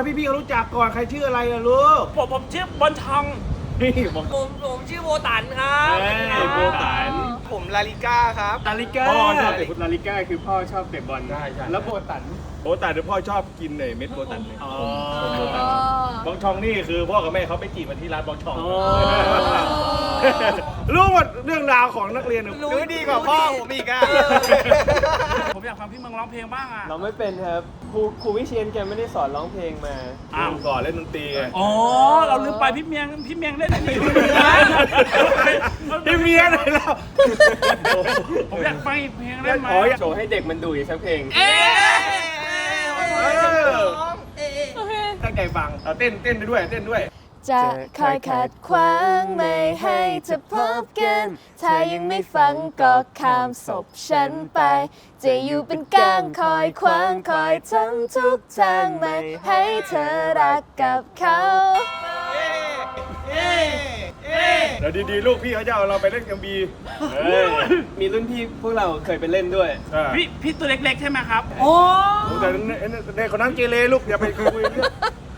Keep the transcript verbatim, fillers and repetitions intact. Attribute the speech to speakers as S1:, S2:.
S1: ให้พี่ๆเขารู้จักก่อนใครชื่ออะไรล่ะลูก
S2: ผมผมชื่อบอลทอง
S1: นี่บอก
S3: ผมผมชื่อโบตันครับ
S1: เอ้ยโบตัน
S3: ผมลาลิก้าครับ
S1: ลาลิก้า
S4: พ่อชอบเตะฟุตลาลิก้าคือพ่อชอบเตะบอล
S1: ใช่ใช่
S4: แล้วโบตัน
S1: โบตันหรือพ่อชอบกินเลยเม็ดโบตันเลย
S4: อ๋อ
S1: โบตันบองชองนี่คือพ่อกับแม่เขาไปจีบมาที่ร้านบองชอง
S4: อ๋อ
S1: รู้หมดเรื่องราวของนักเรียน
S3: รู้ดีกว่าพ่อผมอีกอ่ะ
S2: ผมอยากฟังพี่เมืองร้องเพลงบ้างอ่ะ
S4: เราไม่เป็นครับครูครูวิเชียนแกไม่ได้สอนร้องเพลงมา
S1: อ้าวก่อนเล่นดนตรีไง
S2: อ๋อเราลืมไปพี่เมียงพี่เมียงเล่นนี่
S1: พี่เมียเลยแล้ว
S2: ผมอยากฟังอีกเพลงได้ไหม
S4: ขอโชว์ให้เด็กมันดูอีกสักเพลง
S2: เอ๊ะ
S1: ตั้งใจฟังเอาเต้นเต้นไปด้วยเต้นด้วย
S5: จะคอยขัดขวางไม่ให้เธอพบกัน ถ้ายังไม่ฟังก็ข้ามศพฉันไป จะอยู่เป็นก้างคอยขวางคอยทำทุกทางไม่ให้เธอรักกับเขา
S1: เดี๋ยวดีๆลูกพี่เขาจะเอาเราไปเล่นกัมบี
S4: เฮ้ยมีรุ่นพี่พวกเราเคยไปเล่นด้วย
S2: พี่พี่ตัวเล็กๆใช่ไหมครับ
S1: แต่ในคนนั้นเกเรลูกอย่าไปคุยเรื่อง